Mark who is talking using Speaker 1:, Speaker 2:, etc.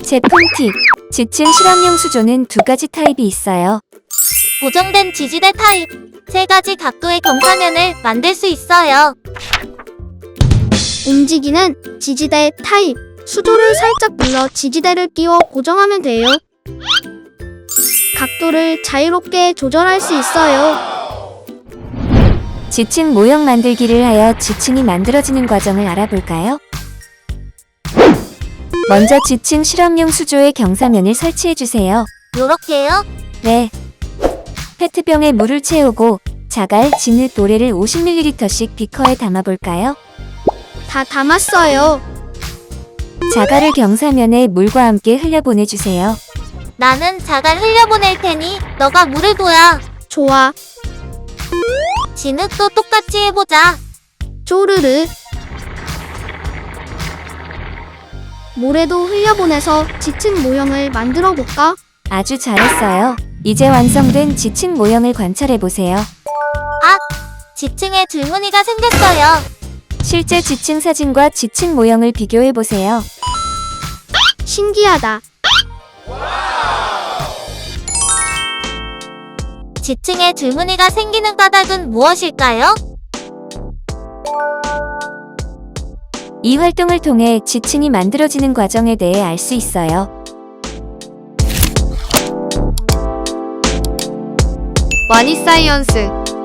Speaker 1: 제품 팁. 지층 실험용 수조는 두 가지 타입이 있어요.
Speaker 2: 고정된 지지대 타입. 세 가지 각도의 경사면을 만들 수 있어요.
Speaker 3: 움직이는 지지대 타입. 수조를 살짝 눌러 지지대를 끼워 고정하면 돼요. 각도를 자유롭게 조절할 수 있어요.
Speaker 1: 지층 모형 만들기를 하여 지층이 만들어지는 과정을 알아볼까요? 먼저 지층 실험용 수조의 경사면을 설치해주세요.
Speaker 2: 요렇게요?
Speaker 1: 네. 페트병에 물을 채우고 자갈, 진흙, 모래를 50ml씩 비커에 담아볼까요?
Speaker 3: 다 담았어요.
Speaker 1: 자갈을 경사면에 물과 함께 흘려보내주세요.
Speaker 2: 나는 자갈 흘려보낼 테니 너가 물을 부어.
Speaker 3: 좋아.
Speaker 2: 진흙도 똑같이 해보자.
Speaker 3: 쪼르르. 모래도 흘려보내서 지층 모형을 만들어 볼까?
Speaker 1: 아주 잘했어요. 이제 완성된 지층 모형을 관찰해보세요.
Speaker 2: 지층에 줄무늬가 생겼어요.
Speaker 1: 실제 지층 사진과 지층 모형을 비교해보세요.
Speaker 3: 신기하다.
Speaker 2: 지층에 줄무늬가 생기는 까닭은 무엇일까요?
Speaker 1: 이 활동을 통해 지층이 만들어지는 과정에 대해 알 수 있어요.
Speaker 3: 와니사이언스